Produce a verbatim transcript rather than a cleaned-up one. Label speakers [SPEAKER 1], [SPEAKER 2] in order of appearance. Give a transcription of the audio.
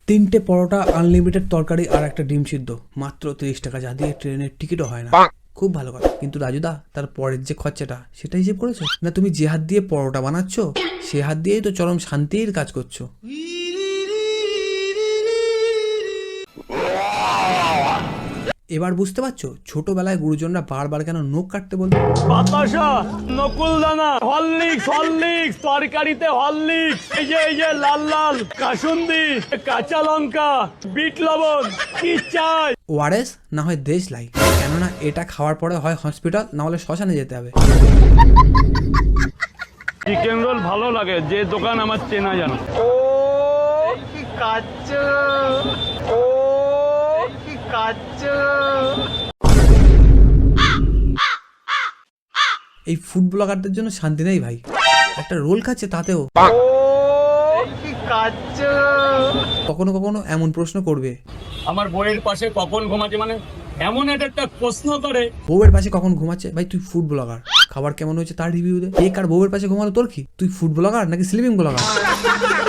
[SPEAKER 1] তিনটে পরোটা, আনলিমিটেড তরকারি আর একটা ডিম সিদ্ধ, মাত্র তিরিশ টাকা, যা দিয়ে ট্রেনের টিকিটও হয় না। খুব ভালো কথা, কিন্তু রাজুদা তার পরের যে খরচাটা সেটা হিসেব করেছো না? তুমি যে হাত দিয়ে পরোটা বানাচ্ছ সে হাত দিয়েই তো চরম শান্তির কাজ করছো। এবার বুঝতে পারছো ছোটবেলায় গুরুজনরা বারবার কেন নখ কাটতে বলতো?
[SPEAKER 2] বাতাসা, নকুলদানা, হরলিক্স, হরলিক্স, তরকারিতে হরলিক্স, এই যে এই যে লাল লাল কাসুন্দি, কাঁচা লঙ্কা, বিট লবণ, কি চাই?
[SPEAKER 1] ওআরএস না হয় দেশলাই, কেননা এটা খাওয়ার পরে হয় হসপিটাল, না হলে শ্মশানে যেতে হবে।
[SPEAKER 2] চিকেন রোল ভালো লাগে, যে দোকান আমার চেনা জানা।
[SPEAKER 3] ও কি কাচ্চু, ও কি কাচ্চু।
[SPEAKER 1] এই ফুড ব্লগারদের জন্য শান্তি নেই ভাই, একটা রোল খাচ্ছে তাতেও
[SPEAKER 3] ও কি কাচ্চু।
[SPEAKER 1] কখনো কখনো এমন প্রশ্ন করবে,
[SPEAKER 2] আমার বইয়ের পাশে কখন ঘুমাচ্ছে, মানে এমন একটা প্রশ্ন করে।
[SPEAKER 1] বউয়ের পাশে কখন ঘুমাচ্ছে? ভাই তুই ফুড ব্লগার, খাবার কেমন হয়েছে তার রিভিউ দে। কে কার বউয়ের পাশে ঘুমালো তোর কি? তুই ফুড ব্লগার নাকি স্লিপিং ব্লগার?